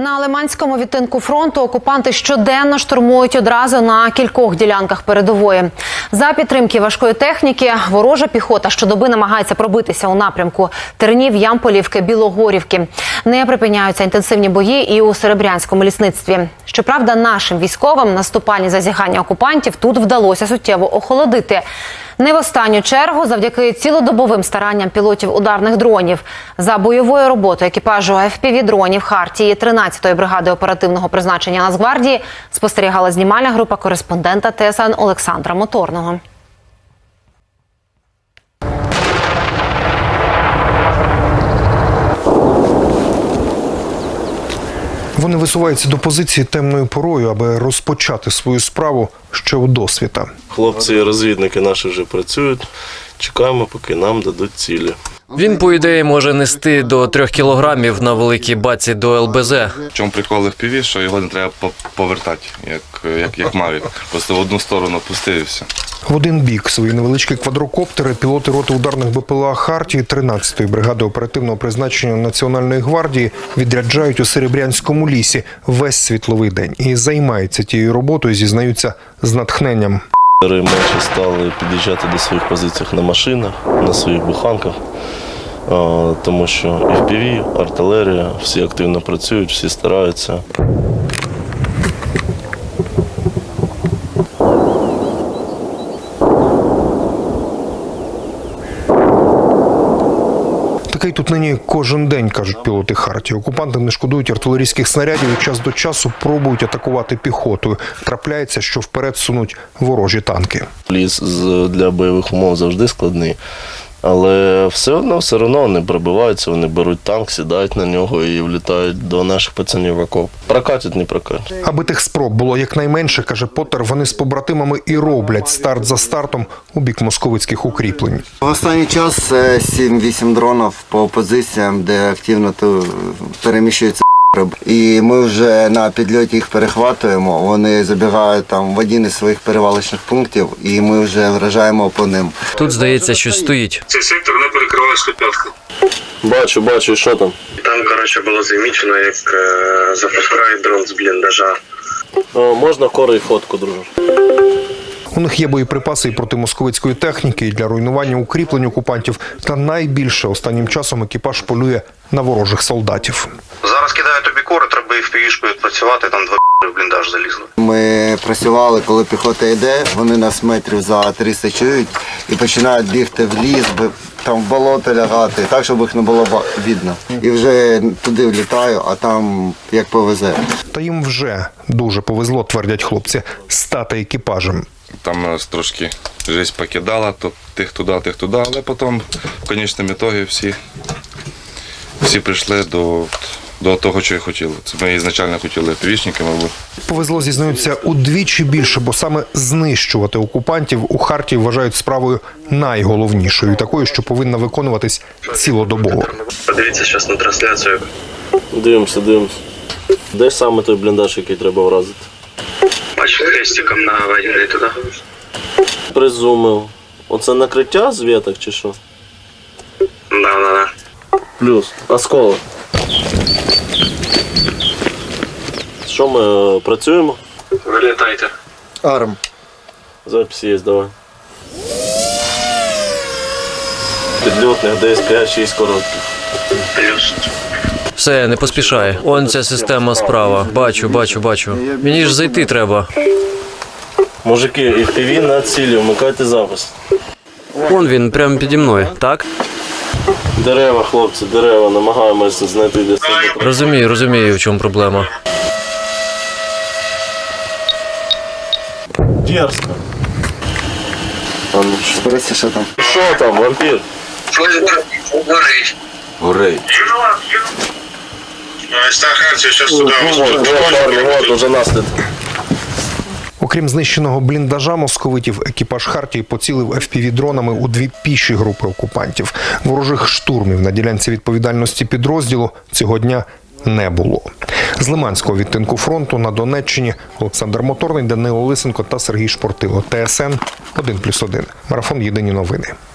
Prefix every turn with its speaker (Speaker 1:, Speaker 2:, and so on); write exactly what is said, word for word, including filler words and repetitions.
Speaker 1: На Лиманському відтинку фронту окупанти щоденно штурмують одразу на кількох ділянках передової. За підтримки важкої техніки ворожа піхота щодоби намагається пробитися у напрямку Тернів, Ямполівки, Білогорівки. Не припиняються інтенсивні бої і у Серебрянському лісництві. Щоправда, нашим військовим наступальні зазіхання окупантів тут вдалося суттєво охолодити. Не в останню чергу завдяки цілодобовим старанням пілотів ударних дронів. За бойовою роботою екіпажу еф пі ві-дронів Хартії тринадцятої бригади оперативного призначення Нацгвардії спостерігала знімальна група кореспондента те ес ен Олександра Моторного.
Speaker 2: Вони висуваються до позиції темною порою, аби розпочати свою справу ще у досвіта.
Speaker 3: Хлопці і розвідники наші вже працюють. Чекаємо, поки нам дадуть цілі.
Speaker 4: Він, по ідеї, може нести до трьох кілограмів на великій баці до ел бе зет.
Speaker 5: В чому прикол еф пі ві, що його не треба повертати, як, як, як Мавік. Просто в одну сторону пустив і все.
Speaker 2: В один бік свої невеличкі квадрокоптери пілоти роти ударних бе пе ел а Хартії тринадцятої бригади оперативного призначення Національної гвардії відряджають у Серебрянському лісі весь світловий день. І займаються тією роботою, зізнаються, з натхненням.
Speaker 3: Менше стали під'їжджати до своїх позицій на машинах, на своїх буханках, тому що еф пі ві, артилерія, всі активно працюють, всі стараються.
Speaker 2: Такий тут нині кожен день, кажуть пілоти Хартії. Окупанти не шкодують артилерійських снарядів і час до часу пробують атакувати піхотою. Трапляється, що вперед сунуть ворожі танки.
Speaker 3: Ліс для бойових умов завжди складний, але все одно, все одно вони пробиваються, вони беруть танк, сідають на нього і влітають до наших пацанів в окоп. Прокатять, не прокатять.
Speaker 2: Аби тих спроб було якнайменше, каже Поттер, вони з побратимами і роблять старт за стартом у бік московицьких укріплень.
Speaker 6: В останній час сім-вісім дронів по позиціям, де активно переміщуються. І ми вже на підльоті їх перехватуємо, вони забігають там в один із своїх перевалочних пунктів і ми вже вражаємо по ним.
Speaker 4: Тут, здається, щось стоїть.
Speaker 7: Цей сектор не перекриває схопятку.
Speaker 3: Бачу, бачу, що там?
Speaker 7: Там, коротше, було замічено, як е, запускають дрон з бліндажа.
Speaker 3: О, можна кори і фотку, друже?
Speaker 2: У них є боєприпаси і проти московицької техніки, і для руйнування укріплень окупантів. Та найбільше останнім часом екіпаж полює на ворожих солдатів.
Speaker 7: Зараз кидають тобі кори, треба і в півішкою працювати, там два в бліндаж залізли.
Speaker 6: Ми працювали, коли піхота йде, вони нас метрів за триста чують і починають бігти в ліс, там в болото лягати, так, щоб їх не було видно. І вже туди влітаю, а там як повезе.
Speaker 2: Та їм вже дуже повезло, твердять хлопці, стати екіпажем.
Speaker 5: Там нас трошки життя покидала, то тих туди, тих туди, але потім в кінцевому ітогі всі, всі прийшли до, до того, що і хотіли. Це ми ізначально хотіли півічники, мабуть.
Speaker 2: Повезло, зізнаються, удвічі більше, бо саме знищувати окупантів у Хартії вважають справою найголовнішою, такою, що повинна виконуватись цілодобово.
Speaker 7: Подивіться зараз на трансляцію.
Speaker 3: Дивимося, дивимося. Де саме той бліндаж, який треба вразити?
Speaker 7: Бачу, хрестиком наведений туди.
Speaker 3: Призумив. Оце накриття з веток чи що?
Speaker 7: Да, да, да.
Speaker 3: Плюс осколок. Що ми працюємо?
Speaker 7: Вилітайте.
Speaker 6: Арм.
Speaker 3: Запись є, давай. Підльотних десь п'ять-шість коротких.
Speaker 7: Плюс.
Speaker 4: Все, не поспішай. Он ця система справа. Бачу, бачу, бачу. Мені ж зайти треба.
Speaker 3: Мужики, еф пі ві на цілі, вмикайте запис.
Speaker 4: Он він, прямо піді мною, так?
Speaker 3: Дерева, хлопці, дерева, намагаємося знайти для себе.
Speaker 4: Розумію, розумію, в чому проблема.
Speaker 3: Дерзко. А ну що?
Speaker 6: Подивіться, що там.
Speaker 3: Що там, вампір?
Speaker 7: Горить.
Speaker 5: Горей.
Speaker 7: Стаханці, зараз туди.
Speaker 3: Вот, парні, вот, уже наслідки.
Speaker 2: Окрім знищеного бліндажа московитів, екіпаж Хартії поцілив еф пі ві-дронами у дві піші групи окупантів. Ворожих штурмів на ділянці відповідальності підрозділу цього дня не було. З Лиманського відтинку фронту на Донеччині Олександр Моторний, Данило Лисенко та Сергій Шпортило. те ес ен один плюс один. Марафон «Єдині новини».